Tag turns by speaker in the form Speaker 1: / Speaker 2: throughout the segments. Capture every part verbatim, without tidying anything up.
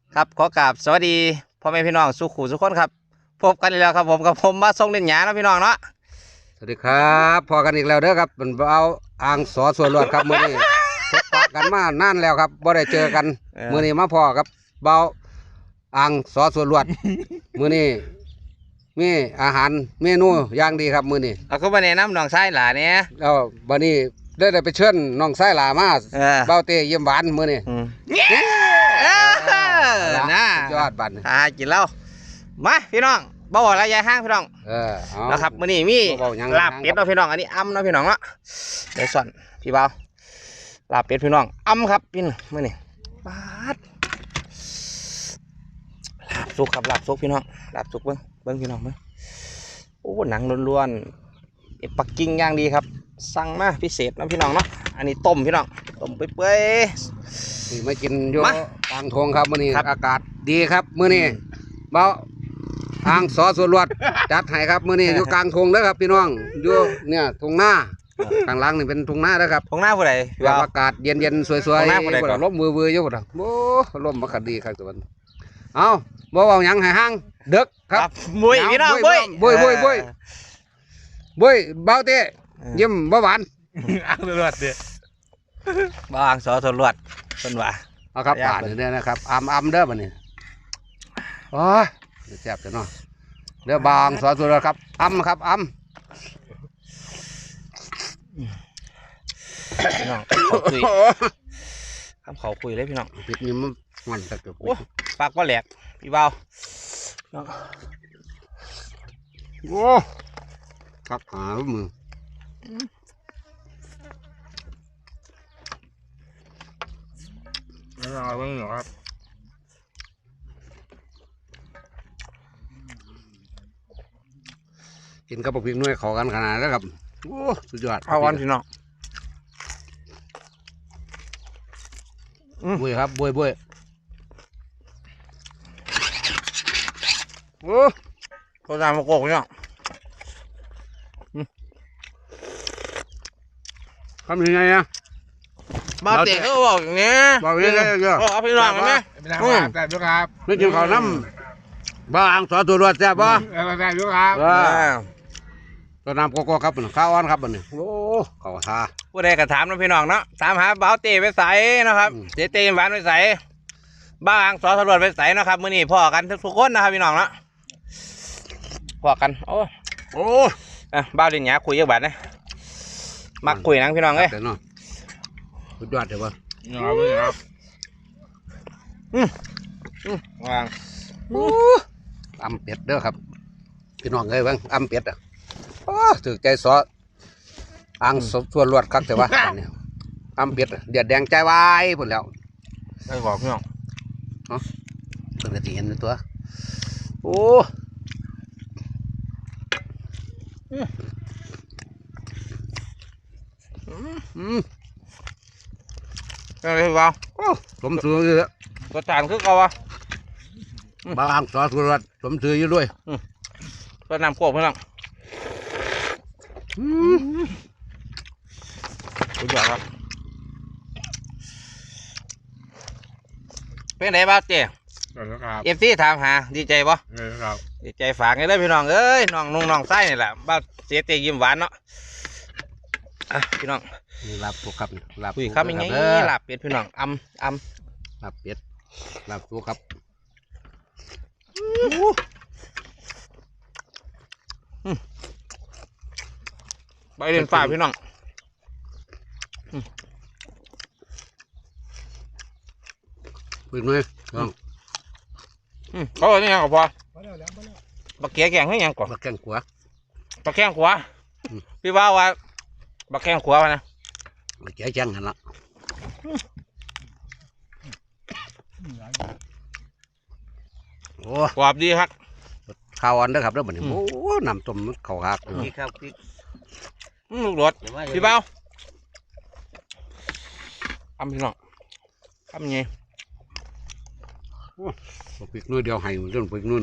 Speaker 1: ครับขอกราบสวัสดีพ่อแม่พี่น้องสุขุสุขคนครับพบกันอีกแล้วครับผมกับผมมาส่งเล่นหยาเนาะพี่น้องเนาะ
Speaker 2: สวัสดีครับพอกันอีกแล้วเด้อครับเป็นเอาอ่างสอส่วนรวดครับมื้อนี้พบปะกันมานานแล้วครับบ่ได้เจอกันมื้อนี้มาพอครับเบาอ่างสอส่วนรวดมื้อนี้มีอาหารเมนูอย่างดีครับมื้อนี้
Speaker 1: เอาก็มาแนะนำน้องชายหลานเนี่ย
Speaker 2: แล้วบัดนี้ได้ได้ไปเชิญน้องชายหลามาเบาเตเยี่ยมหวานมื้อนี้
Speaker 1: น่
Speaker 2: ยอดบัด
Speaker 1: อ่ากินแล้วมาพี่น้องบ่าวอะไรยายห้างพี่น้อง
Speaker 2: เออ
Speaker 1: นะครับมื้อนี้มีลาบเป็ดเนาะพี่น้องอันนี้อ้ำเนาะพี่น้องเนาะเดี๋ยวส่วนพี่บ่าวลาบเป็ดพี่น้องอ้ำครับพี่มื้อนี้ปาดลาบสุกครับลาบสุกพี่น้องลาบสุกเบิ้งเบิ้งพี่น้องเบิ้งโอ้หนังล้วนๆเอ็ดปักกิ่งย่างดีครับสั่งมาพิเศษนะพี่น้องเนาะอันนี้ต้มพี่น้องต้มเปื่อย
Speaker 2: ๆนี่มากินอยู่กลางทงครับมื้อนี้อากาศดีครับมื้อนี้เบาอ่างสอส่วนรวดจัดให้ครับมื้อนี้อยู่กลางทงเด้อครับพี่น้องอยู่เนี่ยทงหน้าข้างหลังนี่เป็นทงหน้าเด้อครับ
Speaker 1: ทงหน้าผู้ใด
Speaker 2: แบบอากาศเย็นๆสวยๆลมมือๆอยู่บ่ล่ะโอ้ลมบ่คันดีครับตัวมันเอ้าบ่เว้าหยังให้ห่างเด็กครับ
Speaker 1: บุ้ยพี่น้องบุ้ย
Speaker 2: บุ้ยบุ้ยบุ้ยบุ้ยเบาเต้ยิ้มบ่หวาน
Speaker 3: อ่างสรวดเด้อ
Speaker 1: บ่อ่างสอสรวดเพิ่นว่า
Speaker 2: เอาครับป่านนี่นะครับอำๆเด้อบัดนี้โอ้ยแซ่บจังเนาะเด้อบางสอสรวดครับอำครับอำ
Speaker 1: พี่น้องเขาคุยคำเขาคุยเลยพี่น้อง
Speaker 2: ปิดนี่มันมันตะเกียบ
Speaker 1: ปากว่าแหลกพี่เบา
Speaker 2: โอ้ครับหามือ
Speaker 3: ไม่เอาไม่เหรอครับ
Speaker 2: กินกับพริกน้อยขอกันขนาดแล้วครับโอ้สุดยอด
Speaker 1: เอาวันพี่น้อง
Speaker 2: บุ้ยครับบุ้ยบุ้ย
Speaker 1: โอ้ตัวจานมะกอกเนี่ย
Speaker 2: ทำยังไงอะ
Speaker 1: มาเตะเขาบอกอย่างนี้
Speaker 2: บอกยังไงเยอะ
Speaker 1: เอาพี่น้องไหม
Speaker 3: ไม่ได้ครับแต่ด้วยครับ
Speaker 2: ไม่กินข้าวน้ำบางสอตัวรวดแซ่บป่ะ
Speaker 3: แต่ด้วยครับ
Speaker 2: ตัวน้ำโกโก้ครับข้าวอ่อนครับมันนี่โอ้ข้าวทา
Speaker 1: ผู้ใดก็ถามนะพี่น้องเนาะถามหาเบาเตะไปใส่นะครับเตะเตะหวานไปใส่บ้างสอสรวจไปใส่นะครับมื้อนี้พ่อกันทุกคนนะครับพี่น้องเนาะพ่อกันโอ้โอ้อ่ะบ้าดินหยาคุยเยอะแบบนี้มักคุยนังพี่น้องเอ้ย
Speaker 2: สุดยอดเลยป่ะ
Speaker 3: ครับ
Speaker 1: อืมอืมวาง
Speaker 2: อำเป็ดเด้อครับพี่น้องเอ้ยบ้างอำเป็ดอ่ะถือใจซออ่างส่วนรวดคักแต่ว่าเนี่ยอำเป็ดเดือดแดงใจวายหมดแล้ว
Speaker 1: ได้บอกพี่น้อง
Speaker 2: เนาะเพิ่งจะเห็นตัวโอ้
Speaker 1: อืมอะไรบ้าง
Speaker 2: สมซื้อเยอะ
Speaker 1: กระจานคือเก่าอ่ะ
Speaker 2: บางสอสุรสสมซื้ออยู่ด้วย
Speaker 1: ก็นำโคกพี่น้องสุดยอดครับเป็นไงบ้างเจ๊เอฟซีถามหาดีใจปะดีใจฝากไงเลยพี่น้องเอ้ยน้องนุ่งน้องไส้นี่แหละบ้าเสียเตยิ้มหวานเนาะอ่ะพี่น้อง
Speaker 2: ลาบปูครับ
Speaker 1: ลาบคุยครับยังไงลาบเป็ดพี่น้องอำอ
Speaker 2: ำลาบเป็ดลาบปูครับ
Speaker 1: ใบเด่นฝ่าพี่น้อง
Speaker 2: ปืนไหมน้อง
Speaker 1: เขาบอกนี่ยังก็พอบักเกียแกงให้ยังก่อน
Speaker 2: บักแกงขวา
Speaker 1: บักแกงขวาพี่ว่าว่าบักแกงขวานะ
Speaker 2: บักเกียแกงหันละ
Speaker 1: โอ้กรอบดีครับ
Speaker 2: ข้าวอันเด้อครับเด้อบัดนี้โอ้น้ำต้มข้าวหัก
Speaker 1: พี่ครับพี่ลูกรถพี่เบ้าทำพี่น้องทำยังไง
Speaker 2: พริกน้อยเดียวให้จนพริกนู่น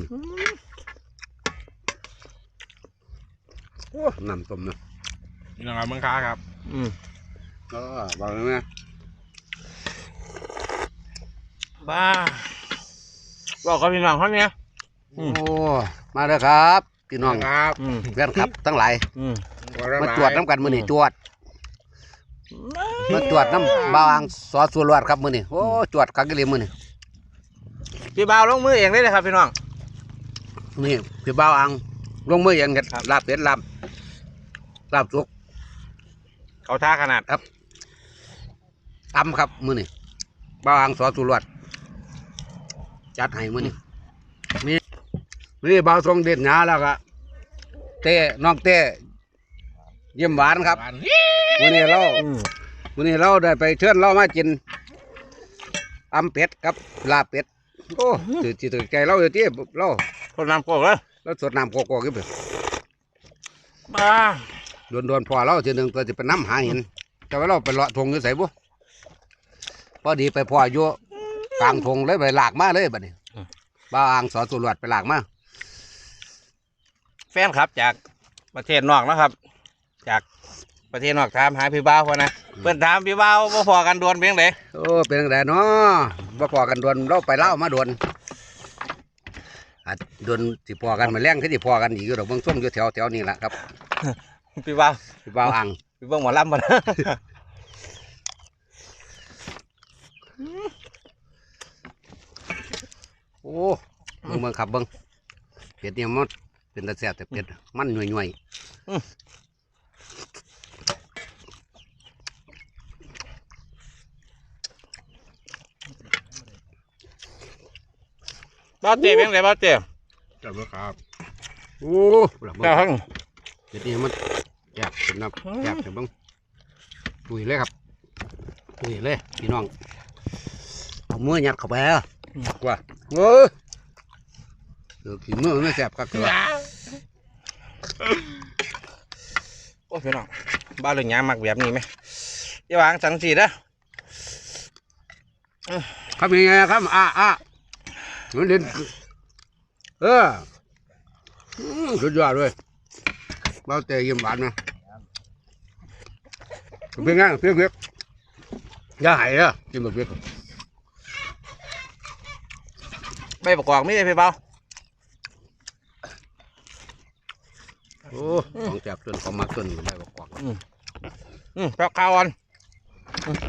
Speaker 2: น้ำต้มนะ
Speaker 3: นี่นะครับมังค้าครับ
Speaker 1: อืม
Speaker 2: ก็บอกเลยไหม
Speaker 1: บ้าบอกกับพี่น้องเขาเนี่ย อื
Speaker 2: โอ้
Speaker 1: ม
Speaker 2: มาเด้อครับพี่น้อง
Speaker 3: ครับ
Speaker 1: อืม
Speaker 2: แฟนครับทั้งหลาย
Speaker 1: อืม
Speaker 2: มาตรวจน้ำกันมื้อนี้ตรวจมาตรวจน้ำบางสอสุรวดครับมื้อนี้โอ้ตรวจคักอีหลีมื้อนี้
Speaker 1: พี่บ่าวลงมือเองได้เลยครับพี่น้อง
Speaker 2: นี่พี่บ่าวอังลงมือเองเฮ็ด
Speaker 1: ครับ
Speaker 2: ลาบเป็ดลาบลาบสุก
Speaker 1: เขาท่าขนาด
Speaker 2: ตำครับมื้อนี้บ่าวอังสอสุรวดจัดให้มื้อนี้นี่นี่บ่าวทรงเด็ดหงาแล้วก็เต้น้องเต้เยี่ยมหวานครับ
Speaker 3: หวาน
Speaker 2: มื้อนี้เรา
Speaker 1: อืม
Speaker 2: มื้อนี้เราได้ไปเชิญเรามากินตำเป็ดกับลาบเป็ดโอ้ถือถือถือใจเราอยู่ที่เรา
Speaker 1: คนน้ำโกกเลย
Speaker 2: เราสดน้ำโกโก้กินไป
Speaker 1: บ้า
Speaker 2: โดนโดนๆพอเราทีหนึ่งตัวจะไปน้ำหาเห็นแต่ว่าเราไปเลาะทงอยู่ใส่บุพอดีไปพออยู่กลางทงเลยไปหลากมาเลยบัดนี้บ้าวอ่างสอนสุรวดไปหลากมา
Speaker 1: แฟนครับจากประเทศนอกนะครับ จากประเทศนอกถามหาพี่บ่าวพอนะเพื่อนถามพี่บ่าวว่าพอกันดวนเพียงไหน
Speaker 2: โอ้เป็นจังไดเนาะบ่พอกันดวนเราไปเล่าวมาดวนอาจดวนสิพอกันมาแรงคือสิพอกันอีกอยู่ดอกเบิ่งส้มอยู่แถวแถวนี้แหละครับ
Speaker 1: พี่บ่าว
Speaker 2: พี่บ้าวอ่าง
Speaker 1: พี่เบิ่งหมอลำมานะ
Speaker 2: โอ้เบิ่งเบิ่งครับเบิ่งเป็ดเนี่ยมันเป็นตะแซ่บแต่เป็ดมันหน่วย
Speaker 1: บ้าวเจ๊เพียงไหนบ้าวเจ๊
Speaker 3: จับด้วยครับ
Speaker 2: ๆโอ้เบิ่ง
Speaker 1: เจ้าทั้ง
Speaker 2: เป็ดเนี่ยมันแซ่บเป็นน้ำแซ่บแต่เบิ่งตุยเลยครับตุยเลยพี่น้องเอามือยัดเข้าไปอ่ะว่าเออเดี๋ยวขี้มือไม่แซ่บครับเถอะ
Speaker 1: โอ้พี่น้องบ้าวเรื่องหยามักแบบนี้ไหมอย่าวางสังสีนะ
Speaker 2: ครับยังไงครับอ่ะอ่ะมันเด่นเอออืมสุดยอดเลยเบาเตยยิ้มหวานนะเพียงไงเพียงเพียงอย่าหายอ่ะกินแบบเพียง
Speaker 1: ไม่ประกอบไม่ได้พี่บ่าว
Speaker 2: โอ้ของแซ่บจนของมักจนอยู่ได้บอกกว่า
Speaker 1: อืมแป๊บข้าวอ่อนอืม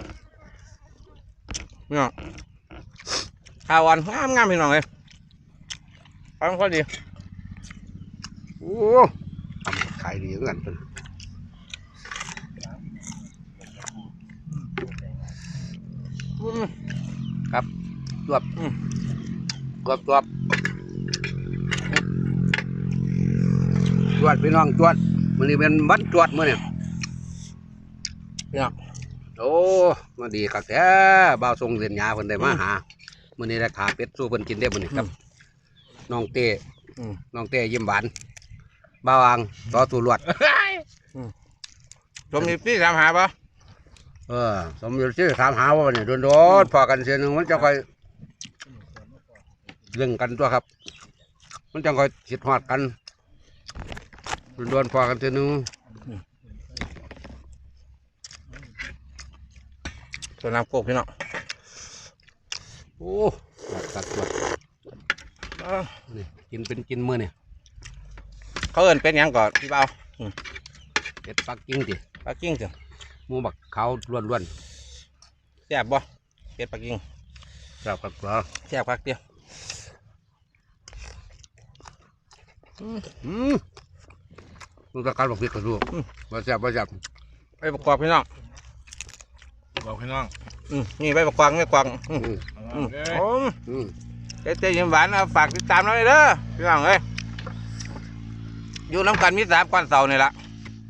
Speaker 1: เนี่ยข้าวอ่อนงามงามพี่น้องเลยข้าวก็ดี
Speaker 2: โอ้ทำขายดีเหมือนกันเป็น
Speaker 1: อืม
Speaker 2: จวบ
Speaker 1: อืม
Speaker 2: จวบจวบจวดพี่น้องจวดมันนี่เป็นวันจวดมื่อเนี่ย
Speaker 1: เนี่ย
Speaker 2: โอ้มาดีครับแท้บ่าวทรงเรียนยาเพิ่นได้มาหามื่อนี้ได้ขาเป็ดสู้เพิ่นกินได้มื่อนี้ครับน้องเต้
Speaker 1: อืม
Speaker 2: น้องเต้ยิ้มหวานบ่าวอ่างต่อสู่ลวด
Speaker 1: ชมนี่พี่ถามหาปะ
Speaker 2: เออสมอยู่ที่ถามหาว่าเนี่ยโดนโดนพอกันเสียหนึ่งมันจะค่อยเรื่องกันตัวครับ มันจะค่อยคิดฮอดกันโดนโดนพอกันเสียหนึ่ง
Speaker 1: ส่วนน้ำโคกพี่น้อง
Speaker 2: โอ้ตัดตัว
Speaker 1: เอ้า
Speaker 2: นี่กินเป็นกินมื้อนี่
Speaker 1: เขาเอินเป็นหยังก่อนพี่เบา
Speaker 2: เป็ดปักกิ่งติ
Speaker 1: ปักกิ่งจ้ะ
Speaker 2: หมูบักขาวล้วน
Speaker 1: แซ่บบ่เป็ดปักกิ่ง
Speaker 2: ๆครับครับครับ
Speaker 1: แซ่บพักเดียว
Speaker 2: อืมลูกตะการบอกพิษกระดูกบ่แซ่บบ่แซ่บ
Speaker 1: ไปประกอบพี่น้อง
Speaker 3: บอกพี่น้อง
Speaker 1: อืมนี่ไปประกอบไม่กวางอืม
Speaker 2: อืม
Speaker 1: อืม
Speaker 3: เอ้ย
Speaker 1: โอ้
Speaker 2: อืม
Speaker 1: เจ๊เจ๊ยิ้มหวานเอาฝากติดตามเราเลยเด้อพี่น้องเอ้ยอยู่น้ำกันมีสามก้อนเสานี่ละ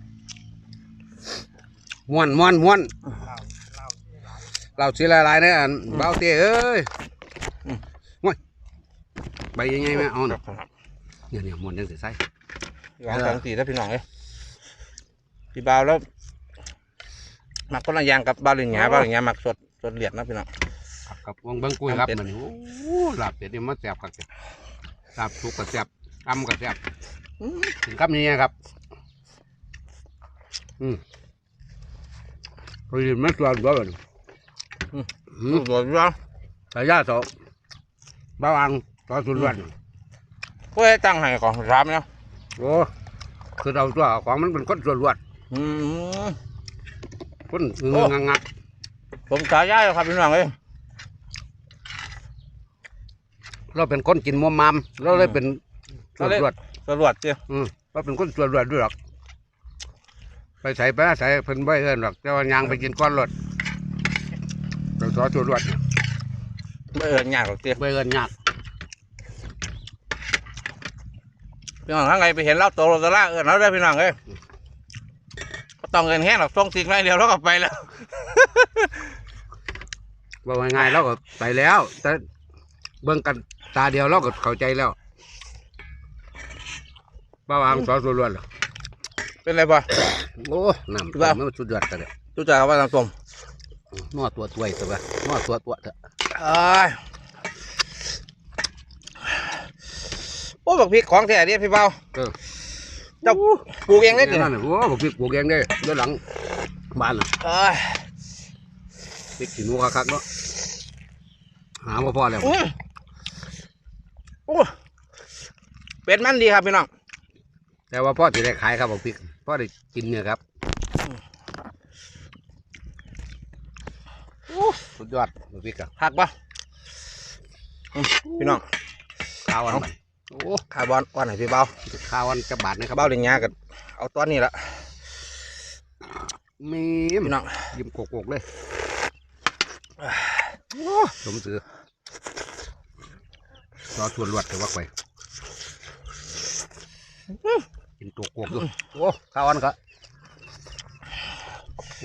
Speaker 2: ม่วนม่วนม่วนเราสิหลายๆเนี่ยอันเบาเต้เอ้ยว้ยใบยังไงแม่เอาน่ะเนี่ยเนี่ยม่วนจังสิใส่
Speaker 1: หวานสองสี่ถ้าพี่น้องเอ้ยพี่เบาแล้วหมักคนละอย่างกับเบาเหลียงหยาเบาเหลียงหยาหมักสดสดเหลียดนะพี่น้อง
Speaker 2: ครับครับวงเบิ่งกุ้ยครับ
Speaker 1: ทำเป็ด
Speaker 2: มันโอ้ลาบเป็ดนี่มันแซ่บครับลาบสุกก็แซ่บตำก็แซ่บถึงคำนี้ครับอืมพอดีมันตัวตัวแบบอืม
Speaker 1: สดๆพี่น้อง
Speaker 2: สายยาสองเบาอังซอสส่วนรวด
Speaker 1: เพื่อตั้งให้ของสามเนาะ
Speaker 2: โอ้คือเราตัวของมันเป็นคนส่วนรวด
Speaker 1: อืม
Speaker 2: คนเงืองงัก
Speaker 1: ผมฉายาอยู่ครับพี่น้องเอ้ย
Speaker 2: เราเป็นคนกินมัวมามเราเลยเป็นส่วนรวด
Speaker 1: ตำรวจเจ้า
Speaker 2: อืมเราเป็นคนส่วนรวดด้วยหรอกไปใส่ไปใส่เพิ่นใบเอินหรอกแต่ว่ายางไปกินก้อนรถเราซอสส่วนรวด
Speaker 1: ไม่เอินยากหรอกเจ้า
Speaker 2: ใบเอินยาก
Speaker 1: พี่น้องทั้งไงไปเห็นเราโตโรตล่าเอินเราได้พี่น้องเอ้ยก็ต้องเอินแห้งหรอกส่งสิ่งไรเดียวเราก็ไปแล้ว
Speaker 2: ว่าง่ายๆเราก็ไปแล้ว แต่เบิ่งกันตาเดียวเราก็เข้าใจแล้วบ้าวางซอสส่วนรวดเหรอ
Speaker 1: เป็นไรป่ะ
Speaker 2: โอ้น้ำ
Speaker 1: บ้า
Speaker 2: มันสุดยอดกันเลย
Speaker 1: รู้จักกับว่าตามตรง
Speaker 2: นอตัวตัวอีกตัวนอตัวตัวเถอะ
Speaker 1: เอ้ยโอ้บักพริกของแท้เดิพี่เบา
Speaker 2: เออ
Speaker 1: เจ้าปลูกเองได้
Speaker 2: นี่
Speaker 1: ดิ
Speaker 2: นั่นน่ะโอ้บอกพี่ปลูกเองได้ด้านหลังบ้านน่ะ
Speaker 1: เอ้ย
Speaker 2: พริกขี้หนูคักๆเนาะหาว่าพอแล้ว
Speaker 1: อืมโอ้เป็ดมันดีครับพี่น้อง
Speaker 2: แต่ว่าพ่อจะได้ขายครับบอกพริกพ่อได้กินเนี่ยครับโอ้สุดยอดบอกพริกอะ
Speaker 1: หักป่ะอืมพี่น้อง
Speaker 2: ข้าวอันใหม่โอ้
Speaker 1: คาร์บอนก้อนไหนพี่เบา
Speaker 2: ข้าวอันจะบาทนะครับ
Speaker 1: เบาเลียงยากันเอาตอนนี้ละ
Speaker 2: มี
Speaker 1: พี่น้อง
Speaker 2: ยิ้มโกกๆเลยโอ้สมซื้อรอชวนรวดแต่ว่าไปกินตัวโกกดูโอ้ข้าวอันก็โอ้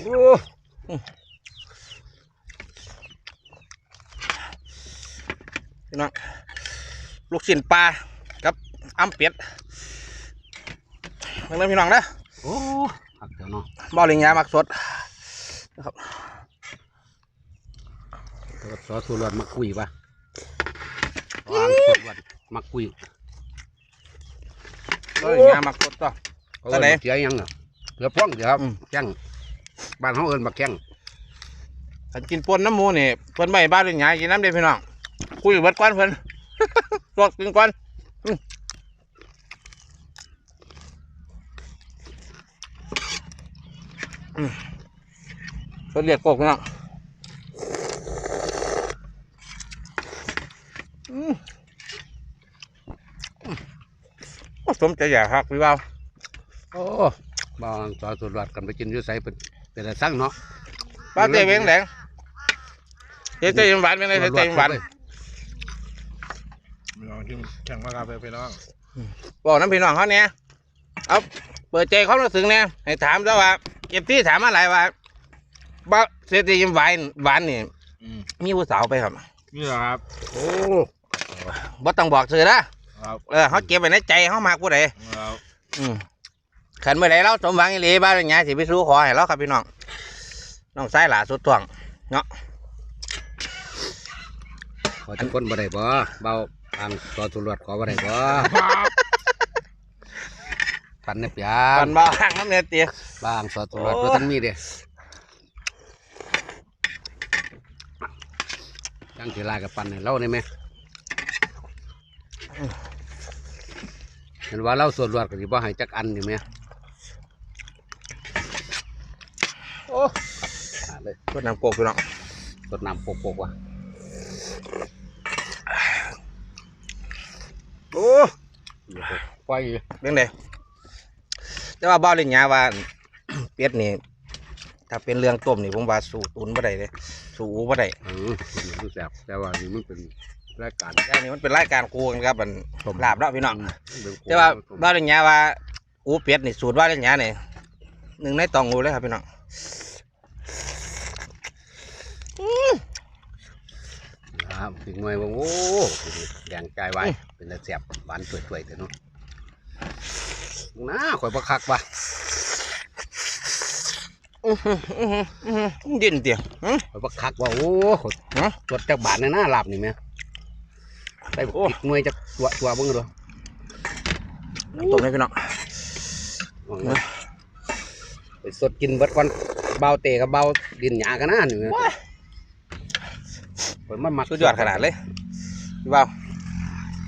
Speaker 1: พี่น้องลูกชิ้นปลากับอ้ำเป็ดนั่นพี่น้องนะ
Speaker 2: โอ้หักเดี๋ยวเนาะ
Speaker 1: เบาเลียงยามักสดนะครับ
Speaker 2: ซอสสูรวดมักกุยปะวางสูรวดมักกุย
Speaker 1: เบาเลียงยามักสดต่อ
Speaker 2: เขา
Speaker 1: ตอนไหน
Speaker 2: เอิ้นเจียยังเนาะเกือบพ่องเดี๋ยวครับ
Speaker 1: อืม
Speaker 2: แข้งบ้านเขาเอิญบักแข้ง
Speaker 1: ฉันกินปนน้ำหมูนี่เพิ่นไม่บ้านเลียงยากินน้ำเด็ดพี่น้องคุยเบิดก้อนเพิ่น สดกินก้อนอืมอืมเพิ่นเรียกกกพี่น้องอืมอืมโอ้สมใจอยากหักพี่เบา
Speaker 2: โอ้บ้านซอสสูรวดกันไปกินอยุ่ใส่เป็นเป็นอะไรสั่งเนาะ
Speaker 1: บ้าเตะเวงแหลงเตะเตะหวานเป็นไงเตะเตะหวาน
Speaker 3: พี่น้องที่แข่งมาครับพี่น้อง
Speaker 1: บอกน้ำพี่น้องเขาเนี่ยเอาเปิดใจเขารู้สึกเนี่ยให้ถามซะว่าเก็บที่ถามอะไรว่าบ้าเตะเตะหวานหวานนี่
Speaker 3: อืม
Speaker 1: มีผู้สาวไปครับ
Speaker 3: นี่แหละครับ
Speaker 2: โอ้
Speaker 1: บ่ต้องบอกสื่อนะครับ เออเขาเก็บไว้ในใจเขามากผู้ใด
Speaker 3: ครับ
Speaker 1: อืมขันเมื่อไรเราสมหวังอีหลีบ้านอย่างเงี้ยสิไปสู้ขอให้เราครับพี่น้องน้องสายหลาสุดท่วงเนาะ
Speaker 2: ขอทุกคนบ่ได้บ่เบาทางซอสสูรวดขอบ่ได้บ่ปันเนี่ยเปีย
Speaker 1: ก่อนบ่ห่างน้ำเนื้อเตี๋ย
Speaker 2: บางซอสสูรวดบ่ทันมีเด้จังสิลากับปันให้เราได้ไหมเห็นว่าเราสูรวดก็สิบ่ให้จักอันอยู่ไหมโอ้ขาดเลย
Speaker 1: รดน้ำโกกพี่น้อง
Speaker 2: สดน้ำโปกๆว่ะโอ้ไฟ
Speaker 1: เรื่องใดแต่ว่าบ้านเล่นยาว่า เป็ดนี่ถ้าเป็นเรื่องต้มนี่ผมว่าสู้ตุนบ่ได้เลยสู้อูบ่ได้
Speaker 2: เออมันแสบแต่ว่านี่มันเป็นรายการ
Speaker 1: แต่นี่มันเป็นรายการครูกันครับมัน
Speaker 2: ต้ม
Speaker 1: ลาบเนาะพี่น้อง
Speaker 2: เป็น
Speaker 1: แต่ว่าบ้านเล่นยาว่าอูเป็ดนี่สูตรบ้านเล่นยานี่หนึ่งในตองอูเลยครับพี่น้อง
Speaker 2: ครับถึงหน่วยว่าโอ้แดงใจไว้เป็นแต่แสบหวานสวยๆแต่เนาะน้าข่อยประคักว่ะ
Speaker 1: อื้อหืออื้อหืออื้อหือดินเตี๋ยหึ
Speaker 2: ข่อยประคักว่าโอ้ข่อย
Speaker 1: ฮะ
Speaker 2: ตรวจจากบาทในหน้าหลับนี่ไหมได้บอกปิดหน่วยจากตัวตัวเบิ่งดู
Speaker 1: ต้มเลยพี่น้อง
Speaker 2: ไปสดกินเบิดก่อนเบาเตะกับเบาดินหยากันนะนี่ข่อยมันมัก
Speaker 1: สุดยอดขนาดเลยพี่บ่าว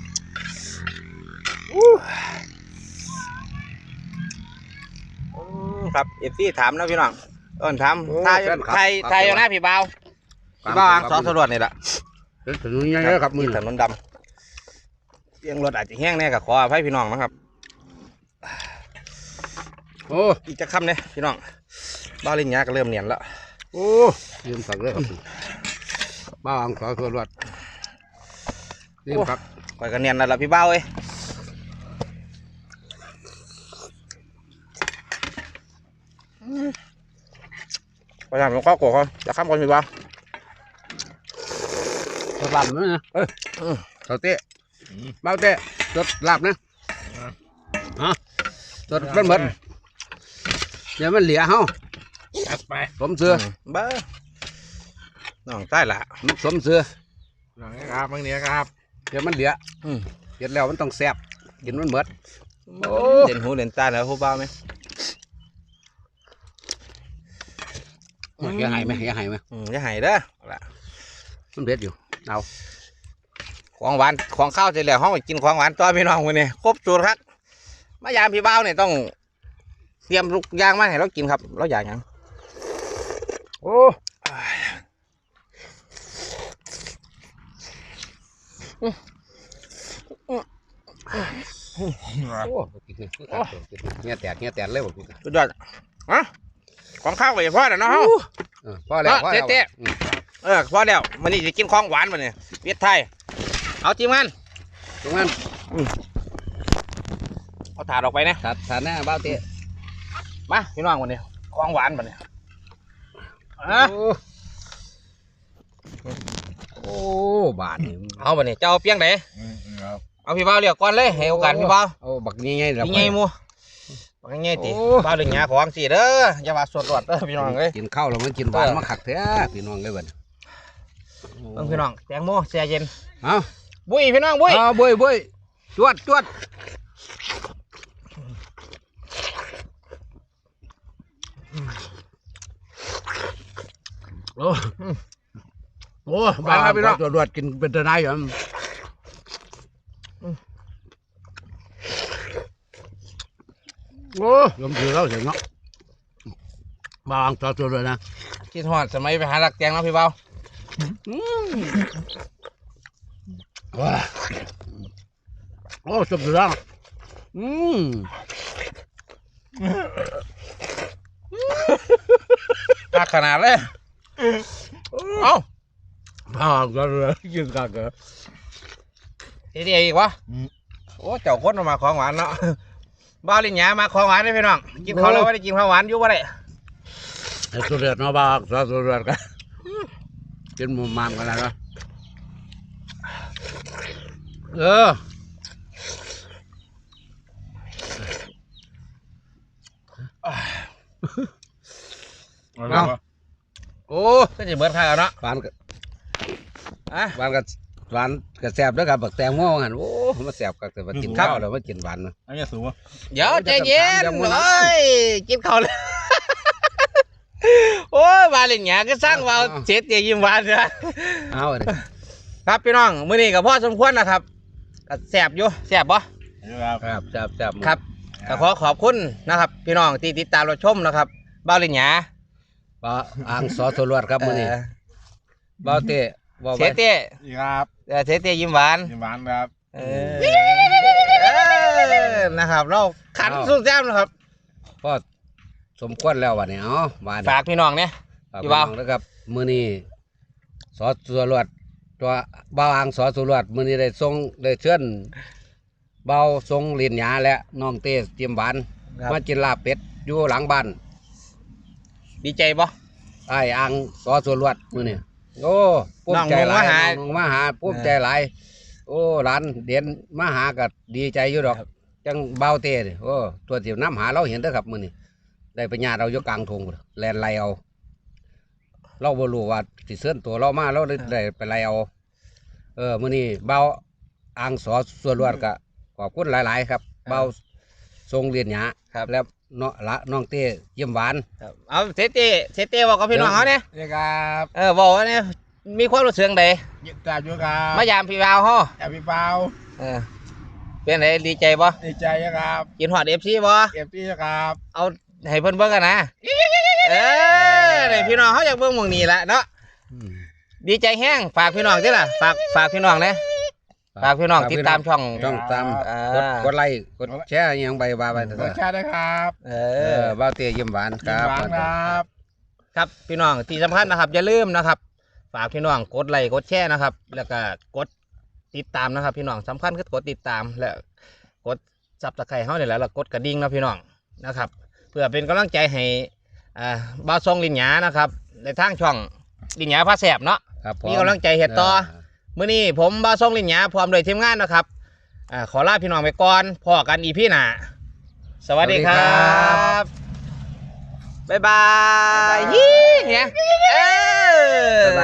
Speaker 1: ครับเอฟซีถามนะพี่น้องเอิ้นถาม
Speaker 2: โอ้
Speaker 1: ไทย
Speaker 2: แฟนคลับ
Speaker 1: ไทย
Speaker 2: ครับ
Speaker 1: ไทยอยู่นะพี่บ่าวพี่บ่าวอ่างสอสรวจนี่แหละ
Speaker 2: เป็นถนนใหญ่ๆครับมือ
Speaker 1: ถนนดำเสียงรถอาจจะแห้งแน่กับขออภัยพี่น้องนะครับ
Speaker 2: โอ้
Speaker 1: อีกจะค่ำเนี่ยพี่น้องบ้าวลิงยาก็เริ่มเนียนแล้ว
Speaker 2: โอ้ยืมสักเลยครับบ้าอังสอส่วนรวดยืมสัก
Speaker 1: คอยกันเนียนแล้วล่ะพี่บ่าวเอ้ยพยายามลงข้าวโกะก่อนจะค่ำก่อนพี่บ่าว
Speaker 2: สลับนะเออเขาเตะเบ้าเตะจดลาบนะฮะจดมันเหมือนเดี๋ยวมันเหลียเฮา
Speaker 3: จัดไป
Speaker 2: สมเสือ
Speaker 1: เบ้อน้องใต้ละ
Speaker 2: มันสมเสือ
Speaker 3: หลังนี้ครับบางเนี้ยครับ
Speaker 2: เดี๋ยวมันเหลีย
Speaker 1: อืม
Speaker 2: เห็นแล้วมันต้องแซ่บกินมันเหมือน โอ้
Speaker 1: เด่นหูเด่นตาแล้วผู้บ่าวไหม
Speaker 2: อย่าหายไหมอย่าหายไหม
Speaker 1: อืมอย่าใหายเด้อเอาล่ะ
Speaker 2: มันเผ็ดอยู่เอา
Speaker 1: ของหวานของข้าวเสร็จแล้วห้องไปกินของหวานต่อพี่น้องวันนี้ครบสูตรครับมายามพี่บ่าวเนี่ยต้องเตรียมลูกยางมาให้เรากินครับเราอยากหยัง
Speaker 2: โอ้โอ้กินนี่คือขาดตัวกินเงี้ยแตกเงี้ยแตกเลยบอกกิน
Speaker 1: สุดยอดอะของข้าวไปพ่อแล้วเนาะเฮา
Speaker 2: เออพอแล้วพอแล้ว
Speaker 1: เจ๊ๆ
Speaker 2: อืม
Speaker 1: เออพอแล้ววันนี้จะกินของหวานวันนี้เวียดไทยเอาทีมงาน
Speaker 2: ตรงนั้น
Speaker 1: เอาถาดออกไปนะ
Speaker 2: ถาดถาดหน้าเบ้าเตะ
Speaker 1: มาพี่น้องวันนี้ของหวานวันนี้อ่ะ
Speaker 2: โอ้โอ้บาทนี่
Speaker 1: เอาวันนี้เจ้าเอาเปียงไหน
Speaker 3: อืมครับ
Speaker 1: เอาพี่บ่าวเรียกก่อนเลยให้โอกาสพี่บ่าว
Speaker 2: เอาบักนี่ไงล่ะ
Speaker 1: พี่ไงมูบอกง่ายๆติ
Speaker 2: โอ้
Speaker 1: บ้านเรื่องหยาของสิเด้ออย่าว่าสดรอดเด้อพี่น้องเอ้ย
Speaker 2: กินข้าวแล้วมันกินหวานมาขักแท้พี่น้องเลยบัด
Speaker 1: เบิ่งพี่น้องแตงโมแช่เย็น
Speaker 2: เอา
Speaker 1: บุ้ยพี่น้องบุ้ย
Speaker 2: เอาบุ้ยบุ้ยจวดจวดโอ้โอ้บ้านพี่น้องจวดจวดกินเป็นตะไนอยู่โอ้ยมถือเราเสียงเนาะบางจอดจวดเลยนะ
Speaker 1: คิดฮอดสมัยไปหาลักแตงเนาะพี่เบา
Speaker 2: ว้าโอ้สมถือเราอืม
Speaker 1: ตักขนาดเลยเอ้า
Speaker 2: บางจอดเลยกินกันเกอ
Speaker 1: เฮ็ดอีกวะโอ้เจ้าคนเอามาของหวานเนาะบ้านเรื่องหยามาของหวานเด้อพี่น้องกินข้าวแล้วบ่ได้กินข้าวหวานอยู่บ่ได้
Speaker 2: ไอ้สุดเดือดเนาะบางจอดจวดกันกินมุมมามกันแล้วนะเออ
Speaker 3: เอาละวะ
Speaker 2: โอ้
Speaker 1: ก็สิเบิดค่าแล้วเนาะ
Speaker 2: หวานกับ
Speaker 1: อ่ะ
Speaker 2: หวานกับหวานกับแซ่บด้วยครับบักแตงโมหันโอ้มาแซ่บกับแต่ว่ากินข้าวแล้วมากินหวานนะ
Speaker 3: อันนี้สูงวะ
Speaker 1: เดี๋ยวใจเย็น
Speaker 2: เดี๋ยวมัน
Speaker 1: เอ้ยกินข้าวเลยโอ้ยบ้านเรื่องหยาก็สร้างเว้าเจ็ดอย่ายิ้มหวานเด้อ
Speaker 2: เอาเลย
Speaker 1: ครับพี่น้องมื้อนี้ก็พอสมควรนะครับก็แซ่บอยู่แซ่บบ่
Speaker 3: ครับ
Speaker 2: ครับแซ่บแซ่บ
Speaker 1: ครับก็ขอขอบคุณนะครับ พี่น้องที่ติดตามรับชมนะครับบ้าวลินหยา
Speaker 2: ปลาอ่างซอสรวดครับมื้อนี้
Speaker 1: เอ่อ
Speaker 2: บ่าวเต้บ่าว
Speaker 1: เสเต้
Speaker 3: อีกครับ
Speaker 1: เอ่อเสเต้ยิ้มหวาน
Speaker 3: ยิ้มหวานครับ
Speaker 1: เออเออนะครับ เราขันสู้แซ่บนะครับ
Speaker 2: พอสมควรแล้ววันนี้เอ๋อมา
Speaker 1: ฝากพี่น้องเนี่ย
Speaker 2: ฝาก
Speaker 1: พี่
Speaker 2: พี่
Speaker 1: บ่า
Speaker 2: น้
Speaker 1: ว
Speaker 2: องนะครับมื้อนี้ซอสรวดตัวบ่าวอ่างซอสรวดมื้อนี้ได้ส่งได้เชิญบ่าวทรงเหรียญหยาและน้องเต้เตรียมหวานมากินลาบเป็ดอยู่หลังบ้าน
Speaker 1: ดีใจบ่
Speaker 2: ไอ้อ่างซอสรวดมื้อนี้โอ้ภูมิใจหลายน้องมาหาภูมิใจหลายโอ้หลานเด่นมาหาก็ดีใจอยู่ดอกจังเบาเต้นี่โอ้ตัวที่น้ำหาเราเห็นเด้อครับมื้อนี้ได้ไปญาติเราอยู่กลางทงพุ่นแลนไล่เอาเราบ่รู้ว่าสิเชิญตัวเรามาเราเลยได้ไปไล่เอาเออมื้อนี้เบาอ่างซอสรวดก็ขอบคุณหลายๆครับเบาทรงเรียนหยา
Speaker 1: ครับ
Speaker 2: แล้วเนาะละน้องเต้เยี่ยมหวาน
Speaker 1: ครับเอาเสเต้เสเต้บอกกับพี่น้องเขาเนี่ย
Speaker 3: นี่ครับ
Speaker 1: เออบอกว่าเนี่ยมีความรู้สึกใด
Speaker 3: ยิ้มตาจุครับ
Speaker 1: มายามพี่บ่าวเฮา
Speaker 3: อย่าพี่เปล่า
Speaker 1: เออเป็นไงดีใจบ่
Speaker 3: ดีใจครับ
Speaker 1: กินฮอด เอฟ ซี บ่
Speaker 3: เก็บที่ครับ
Speaker 1: เอาให้เพิ่นเบิ่งกันนะเออนี่พี่น้องเขาอยากเบิ่งหม่องนี้ละเนาะ
Speaker 2: อืม
Speaker 1: ดีใจแห้งฝากพี่น้องติล่ะฝากฝากพี่น้องนะฝากพี่น้องติดตามช่อง
Speaker 2: ช่องตาม
Speaker 1: อ่า
Speaker 2: กดกดไลค์กดแชร์อิหยังใบว่าไป
Speaker 3: รสชาติได้ครับ
Speaker 1: เอ
Speaker 2: เอ
Speaker 1: อ
Speaker 2: อบ้าวเตี้ยยิ้มหวานค
Speaker 3: กิน
Speaker 2: รับ
Speaker 3: หวานครับ
Speaker 1: ครับพี่น้องที่สำคัญนะครับอย่าลืมนะครับฝากพี่น้องกดไลค์กดแชร์นะครับ แล้วก็กดติดตามนะครับ พี่น้องสำคัญคือกดติดตามและกดซับสไครต์เฮานี่แหละแล้วกดกระดิ่งนะพี่น้องนะครับ เพื่อเป็นกำลังใจให้อ่าบ่าวทรงลินหยานะครับในทางช่องลินหยาพาแสบเนาะ
Speaker 2: ครับผม
Speaker 1: มีกำลังใจเฮ็ดต่อ มื้อนี้ผมบ่าวทรงลินหยาพร้อมโดวยทีมงานนะครับอ่าขอลาพี่น้องไปก่อนพอกันอีพี่หน้าสวัสดีครับบ๊ายบายยี่เนี่ยเออ